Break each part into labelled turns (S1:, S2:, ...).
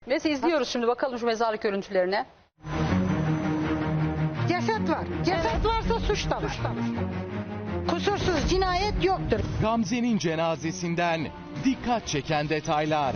S1: Neyse izliyoruz şimdi, bakalım şu mezarlık görüntülerine.
S2: Ceset var. Ceset varsa suç da var. Kusursuz cinayet yoktur.
S3: Gamze'nin cenazesinden dikkat çeken detaylar.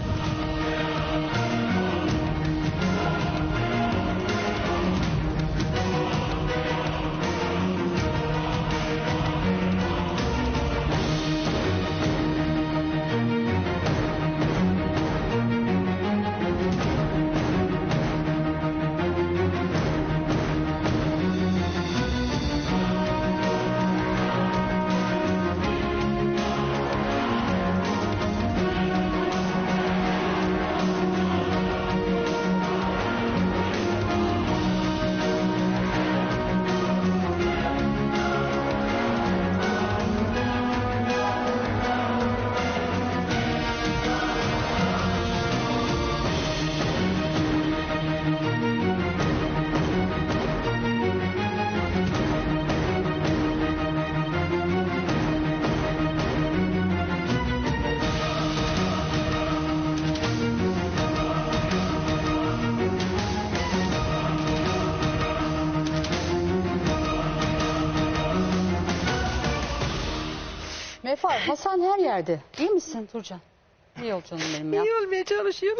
S1: Mefar, Hasan her yerde. İyi misin Turcan? İyi ol canım benim ya.
S2: İyi olmaya çalışıyorum.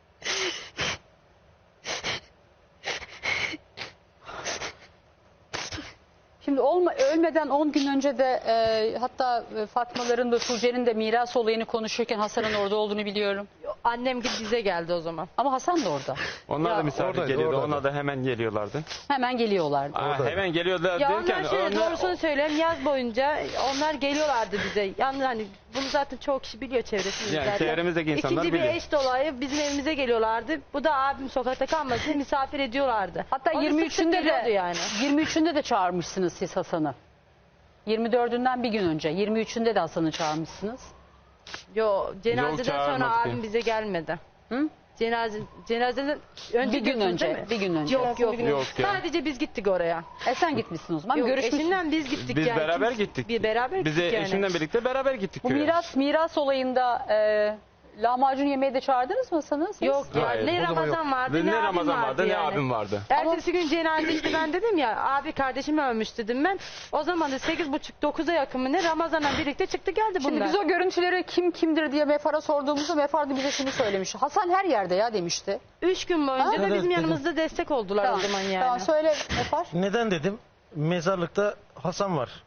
S1: Şimdi ölmeden 10 gün önce de hatta Fatmaların da Tuğçe'nin de miras olayını konuşurken Hasan'ın orada olduğunu biliyorum.
S4: Annem gibi bize geldi o zaman.
S1: Ama Hasan da orada.
S5: Onlar da misafir
S6: oradaydı,
S5: geliyordu.
S6: oradaydı.
S5: Onlar da hemen geliyorlardı.
S1: Hemen geliyorlardı.
S5: Hemen geliyorlar
S4: Ya
S5: derken
S4: onlar şöyle doğrusunu söyleyeyim, yaz boyunca onlar geliyorlardı bize. Yani hani bunu zaten çok kişi biliyor çevresinde
S5: Yani
S4: zaten.
S5: çevremizdeki insanlar
S4: İkinci bir
S5: biliyor.
S4: eş dolayı bizim evimize geliyorlardı. Bu da abim sokakta kalmasın diye misafir ediyorlardı.
S1: Hatta
S4: Onu sık sık
S1: 23'ünde
S4: geliyordu
S1: de
S4: yani.
S1: 23'ünde de çağırmışsınız siz Hasan'ı. 24'ünden bir gün önce. 23'ünde de Hasan'ı çağırmışsınız.
S4: Yo, cenazeden sonra
S5: çağırmadık
S4: abim
S5: ya.
S4: bize gelmedi.
S1: Hı?
S4: Cenazeden önce
S1: Bir gün
S4: diyorsunuz
S1: önce,
S4: değil mi?
S1: bir gün önce.
S4: Yok yok.
S5: Yok ya.
S4: Sadece biz gittik oraya.
S1: Sen gitmişsin o zaman.
S4: Yok,
S1: Görüşmüşsün.
S4: eşimden biz gittik
S5: biz
S4: yani.
S5: beraber
S4: İkimiz-
S5: gittik.
S4: Bir beraber
S5: Bize
S4: gittik yani.
S5: eşimle birlikte beraber gittik.
S1: Bu
S5: köye.
S1: miras olayında lahmacun yemeğe de çağırdınız mı Hasan'ı siz?
S4: Yok ya,
S5: Hayır,
S4: ne
S6: o zaman
S4: Ramazan vardı
S5: Ne
S4: ne abim
S5: Ramazan vardı ne
S4: yani.
S5: abim vardı.
S4: Ertesi gün cenaze işte ben dedim ya abi kardeşim ölmüş dedim ben. O zaman da 8.30-9'a yakın mı ne Ramazan'la birlikte çıktı geldi
S1: Şimdi
S4: bunlar.
S1: biz o görüntüleri kim kimdir diye Mefar'a sorduğumuzda Mefar da bize şunu söylemiş. Hasan her yerde ya demişti.
S4: 3 gün boyunca da
S6: Evet,
S4: bizim
S6: dedim.
S4: yanımızda destek oldular o zaman yani.
S1: Tamam söyle Mefar.
S6: Neden dedim? Mezarlıkta Hasan var.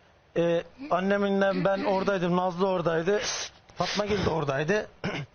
S6: Annemle ben oradaydım. Nazlı oradaydı. Fatma Gül de oradaydı.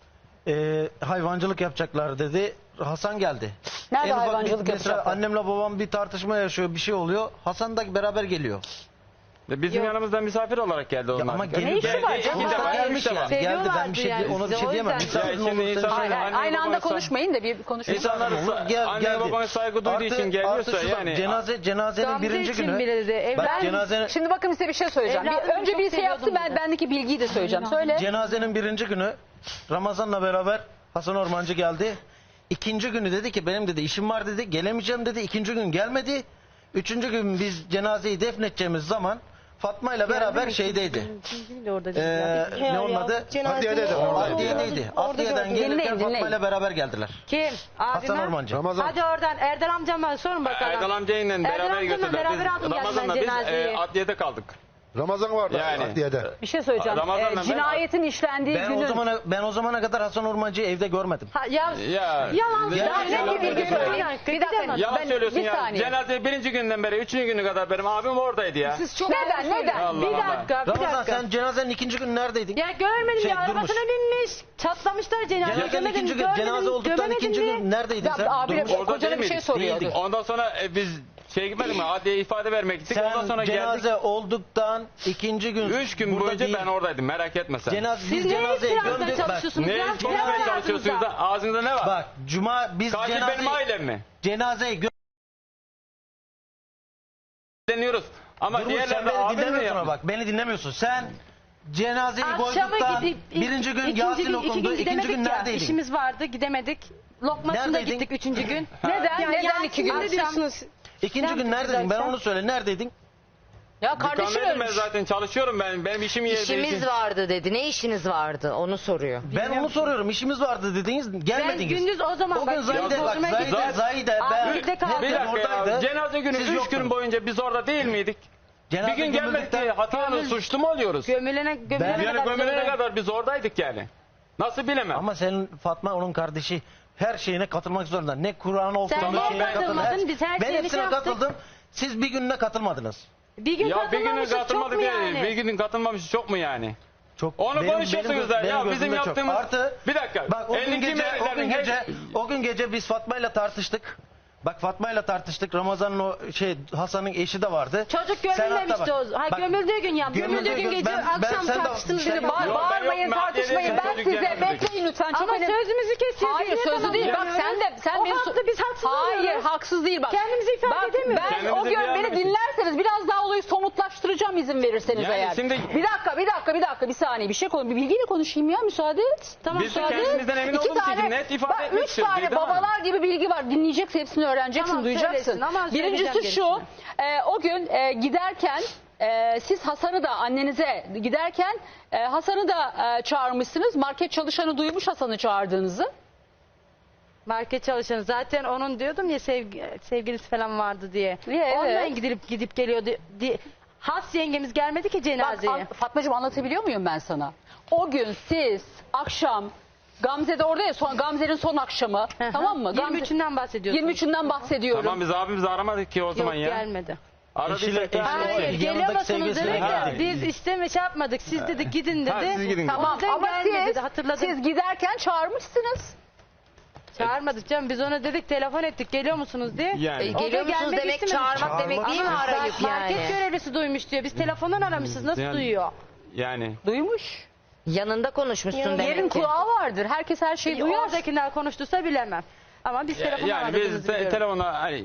S6: Hayvancılık yapacaklar dedi. Hasan geldi.
S1: Nerede
S6: En ufak
S1: hayvancılık
S6: mesela
S1: yapacaklar?
S6: annemle babam bir tartışma yaşıyor, bir şey oluyor. Hasan da beraber geliyor.
S5: Bizim yanımızda misafir olarak geldi onlar.
S6: ama
S1: Ne işi var canım?
S5: İki defa,
S6: Gelmiş
S5: üç defa.
S6: yani. Geldi ben bir şey
S4: Seviyorlardı
S6: ona bir
S4: yani
S6: şey
S4: bizi,
S6: diyemem.
S4: o yüzden.
S6: Misafirin
S5: Ya şimdi
S6: olursa
S5: insan-
S6: şey-
S5: Anne
S1: Aynı anda
S5: babası-
S1: konuşmayın da bir konuşun.
S5: İnsanlar anne
S6: geldi.
S5: babana saygı duyduğu için geliyorsa
S6: artı şu da,
S5: yani.
S6: cenazenin
S4: Gamze
S6: birinci
S4: için
S6: günü.
S4: bile dedi.
S6: Bak, cenazenin,
S1: Şimdi bakın size bir şey söyleyeceğim.
S4: Evladımı
S1: Önce
S4: çok
S1: birisi yaptı,
S4: seviyordum
S1: ben
S4: dedi.
S1: bendeki bilgiyi de söyleyeceğim. Söyle.
S6: cenazenin birinci günü Ramazan'la beraber Hasan Ormancı geldi. İkinci günü dedi ki benim dedi işim var dedi, gelemeyeceğim dedi. İkinci gün gelmedi. Üçüncü gün biz cenazeyi defnedeceğimiz zaman Fatma ile beraber şeydeydi.
S4: Orada
S6: Ne onun adı?
S2: Cenazede
S6: Adliyedeydi. Adliyeden gelirken
S1: Dinleyin,
S6: Fatma
S1: dinleyin.
S6: ile beraber geldiler.
S4: Kim?
S6: Hasan
S4: Abime?
S6: Ormancı.
S4: Hadi oradan Erdal amcama sorun bakalım.
S5: Erdal amcayla
S4: Erdal
S5: beraber
S4: amcamla
S5: götürdüler.
S4: beraber aldım
S5: Ramazan'la
S4: geldim
S5: biz
S4: cenazeyi.
S5: adliyede kaldık.
S6: Ramazan vardı
S5: Yani.
S6: adliyede.
S1: Bir şey söyleyeceğim.
S5: Ramazan'la ben-
S1: Cinayetin işlendiği günün...
S6: Ben o zamana kadar Hasan Ormancı'yı evde görmedim.
S4: Ya,
S5: Ya.
S4: yalan.
S5: Ya,
S1: Daha
S5: yalan
S1: net bir bilgi
S5: söylüyorsun.
S1: söyleyin. Bir dakika.
S5: Yalan söylüyorsun
S1: bir
S5: ya.
S1: saniye.
S5: Cenaze birinci günden beri, üçüncü günü kadar benim abim oradaydı ya.
S1: Neden?
S5: Allah
S4: Bir
S5: Allah.
S4: dakika, bir
S6: Ramazan
S4: dakika.
S6: sen cenazenin ikinci günü neredeydin?
S4: Ya görmedim
S6: Şey,
S4: ya
S6: durmuş.
S4: arabasına binmiş. Çatlamışlar cenaze.
S6: Cenazenin ikinci gün, cenaze olduktan ikinci gün neredeydin sen?
S1: Abi
S6: Durmuş.
S5: Orada
S1: kocana
S5: değil
S1: bir şey
S5: miydik?
S1: soruyordu.
S6: Değildik.
S5: Ondan sonra biz gitmedik mi? Adliye ifade vermek gittik. Ondan sonra
S6: Sen cenaze
S5: geldik.
S6: olduktan ikinci gün.
S5: 3 gün
S6: burada
S5: boyunca
S6: değil.
S5: ben oradaydım. Merak etme sen.
S4: Siz
S6: Biz
S4: neye
S6: cenazeyi
S4: istirahattan
S6: gömdük. Bak,
S4: çalışıyorsunuz
S5: Ne
S4: ya?
S5: konuşmaya çalışıyorsunuz da ağzınızda ne var?
S6: bak biz
S5: Katil benim ailem mi?
S6: cenazeyi
S5: Deniyoruz. Ama
S6: Durmuş, sen
S5: diğerleri
S6: beni
S5: abim mi
S6: dinlemiyorsun ama
S5: yapmış?
S6: bak beni dinlemiyorsun. Sen cenazeyi
S4: Akşama
S6: koyduktan
S4: gidip
S6: birinci gün Yasin okundu. İkinci gün neredeydin?
S4: İşimiz vardı gidemedik. Lokması'nda
S6: Neredeydin?
S4: gittik üçüncü gün.
S1: Neden? Neden 2 gün?
S4: Ne diyorsunuz?
S6: İkinci gün neredeydin? Ben onu söyle. Neredeydin?
S1: Ya kardeşim
S5: Dükkandaydım ben
S1: ölmüş.
S5: zaten, çalışıyorum ben. Benim işim yeri
S7: İşimiz vardı dedi. Ne işiniz vardı? Onu soruyor.
S6: Ben onu soruyorum. İşimiz vardı dediniz.
S4: Ben
S6: Gelmediniz.
S4: gündüz o zaman
S6: O gün Zahide bak Zahide ben
S4: birlikte kaldık.
S5: Bir dakika ya,
S6: oradaydı.
S5: cenaze günü
S6: Siz
S5: 3 gün
S6: yoktunuz.
S5: boyunca biz orada değil miydik?
S6: Cenaze
S5: Bir gün gelmedik
S6: gömüldükten-
S5: diye hatalı suçlu mu oluyoruz?
S4: Gömülene
S5: Yani
S4: kadar.
S5: gömülene kadar biz oradaydık yani. Nasıl bilemem.
S6: Ama senin Fatma onun kardeşi her şeyine katılmak zorunda. Ne Kur'an olsun
S4: Sen
S6: ne
S4: neye
S6: şeyine
S4: katılmadın?
S6: katılmadın.
S4: Biz her
S6: Ben
S4: şeyini
S6: hepsine
S4: şey yaptık.
S6: katıldım. Siz bir gününe katılmadınız.
S4: Bir gün
S5: Ya bir günün
S4: katılmamışız, çok
S5: katılmadı
S4: mu
S5: değil.
S4: yani?
S5: Bir günün katılmamış çok mu yani?
S6: Çok
S5: Onu konuşuyorsunuz da, ya bizim
S6: gözümde çok.
S5: yaptığımız-
S6: Artı,
S5: Bir dakika,
S6: Bak o gün
S5: 52
S6: gece
S5: meyvelerin
S6: o gün gece biz Fatma'yla tartıştık. Bak Fatma'yla tartıştık. Ramazan'ın o Hasan'ın eşi de vardı.
S4: Çocuk
S6: Serhat da
S4: gömülmemişti
S6: var.
S4: o. Ha,
S6: Bak,
S4: gömüldüğü gün ya. Gömüldüğü gün gece akşam
S6: sen de-
S4: tartıştınız.
S6: sen
S4: dedi.
S6: de-
S1: Bağır,
S5: Yok, ben
S1: bağırmayın,
S5: yok,
S1: tartışmayın.
S5: mahallede
S1: Ben
S5: çocuk
S1: size
S5: gelmedik.
S1: bekleyin lütfen. Çok
S4: Ama
S1: önemli.
S4: sözümüzü kesiyor.
S1: Hayır
S4: Zeynep
S1: sözlü
S4: Hanım.
S1: değil. Bak sen
S4: o
S1: beni
S4: haklı, biz haksız
S1: Hayır
S4: oluyoruz.
S1: haksız değil bak.
S4: Kendimizi ifade
S1: Bak,
S4: edemiyoruz.
S1: Ben
S5: Kendimizi
S1: o gün beni
S5: beğenmedik.
S1: dinlerseniz biraz daha olayı somutlaştıracağım izin verirseniz
S5: Yani
S1: eğer.
S5: şimdi-
S1: Bir dakika bir saniye bir şey konuşayım. Bir bilgiyle konuşayım ya müsaade et.
S4: Tamam,
S5: Biz de
S4: müsaade et.
S5: kendimizden emin
S1: İki
S5: olduğumuz için
S1: tane,
S5: net ifade
S1: bak,
S5: etmek
S1: 3
S5: istiyoruz.
S1: tane
S5: Didem Hanım.
S1: babalar gibi bilgi var. Dinleyeceksin hepsini öğreneceksin
S4: Tamam,
S1: duyacaksın.
S4: söylesin ama
S1: Birincisi
S4: söyleyeceğim
S1: şu o gün giderken siz Hasan'ı da annenize giderken Hasan'ı da çağırmışsınız. Market çalışanı duymuş Hasan'ı çağırdığınızı.
S4: Market çalışanı zaten onun diyordum ya sevgilisi falan vardı diye.
S1: Evet.
S4: Ondan gidip geliyordu. Has yengemiz gelmedi ki
S1: Bak
S4: cenazeye.
S1: Fatmacığım anlatabiliyor muyum ben sana? O gün siz akşam Gamze de orada ya Gamze'nin son akşamı tamam mı?
S4: 23'ünden bahsediyorsun.
S1: 23'ünden bahsediyorum.
S5: Tamam biz abimizi aramadık ki o zaman
S4: Yok
S5: ya.
S4: gelmedi.
S5: Aradıysak
S6: Eşiyle-
S5: da-
S6: eşiyle-
S4: Hayır
S6: yanındaki
S4: geliyor musunuz
S6: sevgilisi
S4: dedik
S6: de
S4: ya.
S6: geldi.
S4: Biz isteme şey yapmadık. Siz dedik gidin dedi.
S5: Ha, siz gidin.
S1: Tamam
S4: Ondan
S1: ama
S4: gelmedi dedi,
S1: siz,
S4: hatırladım.
S1: siz giderken çağırmışsınız.
S4: Çağırmadık canım. Biz ona dedik telefon ettik geliyor musunuz diye.
S5: Yani.
S4: O da
S7: Geliyor musunuz
S4: gelmek
S7: demek
S4: istemedi.
S7: çağırmak demek değil mi
S4: Ama
S7: arayıp
S4: market
S7: yani?
S4: görevlisi duymuş diyor. Biz telefondan aramışız. Nasıl
S5: Yani-
S4: duyuyor?
S5: Yani.
S1: Duymuş.
S7: Yanında konuşmuşsun
S1: Yerin
S7: demek ki.
S1: kulağı vardır. Herkes her şeyi duyar.
S4: Oradakiler konuştuysa bilemem. Ama biz telefondan
S5: Yani biz
S4: aradığımızı biliyoruz.
S5: telefona hani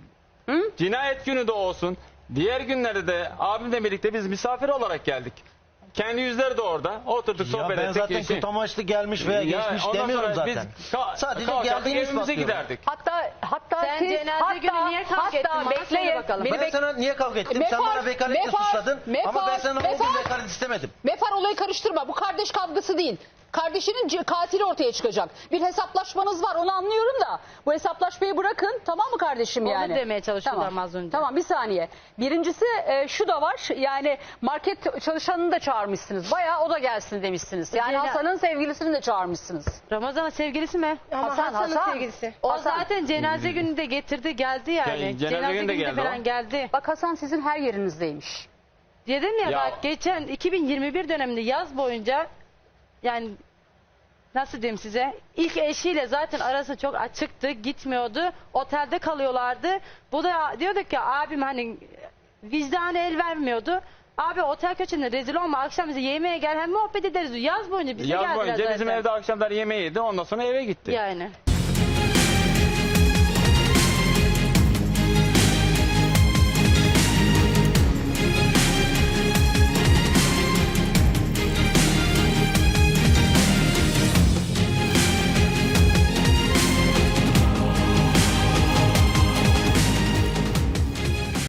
S5: cinayet günü de olsun. Diğer günlerde de abimle birlikte biz misafir olarak geldik. Kendi yüzleri de orada. Oturduk
S6: Ya
S5: sohbet
S6: ben
S5: ettik.
S6: zaten kötü amaçlı gelmiş veya
S5: Ya
S6: geçmiş
S5: ondan
S6: demiyorum
S5: sonra biz
S6: zaten.
S5: Sadece
S6: Sadece geldiğimiz
S5: evimize
S6: bakıyorum.
S5: giderdik.
S1: Hatta
S4: Sen
S1: siz
S4: cenaze günü niye kavga ettin? Bana söyle
S1: bekleyin.
S4: bakalım.
S1: Beni
S6: Ben
S1: bek-
S6: sana niye kavga ettim? Sen
S1: Mefar,
S6: bana vekaletle
S1: Mefar,
S6: suçladın ama ben
S1: Mefar,
S6: sana o gün
S1: Mefar.
S6: vekalet istemedim.
S1: Mefar olayı karıştırma. Bu kardeş kavgası değil. Kardeşinin katili ortaya çıkacak. Bir hesaplaşmanız var onu anlıyorum da. Bu hesaplaşmayı bırakın tamam mı kardeşim
S4: Onu
S1: yani?
S4: demeye çalışıyorlar
S1: Tamam.
S4: az önce.
S1: Tamam bir saniye. Birincisi şu da var. Yani market çalışanını da çağırmışsınız. Bayağı o da gelsin demişsiniz. Yani
S4: Ceylan-
S1: Hasan'ın sevgilisini de çağırmışsınız.
S4: Ramazan'ın sevgilisi mi?
S1: Hasan.
S2: sevgilisi.
S4: O
S1: Hasan.
S4: zaten cenaze günü de getirdi geldi yani.
S5: Yani cenaze günü de geldi
S4: falan
S5: o.
S4: geldi.
S1: Bak Hasan sizin her yerinizdeymiş.
S4: Dedim ya,
S5: Ya-
S4: bak geçen 2021 döneminde yaz boyunca yani nasıl diyeyim size, ilk eşiyle zaten arası çok açıktı, gitmiyordu, otelde kalıyorlardı. Bu da diyorduk ya abim hani vicdanı el vermiyordu. Abi otel köşesinde rezil olma, akşam bize yemeğe gel hem muhabbet ederiz. Yaz boyunca bize
S5: Yaz
S4: geldiler
S5: boyunca
S4: zaten.
S5: bizim evde akşamlar yemeği yedi. Ondan sonra eve gitti.
S4: Yani.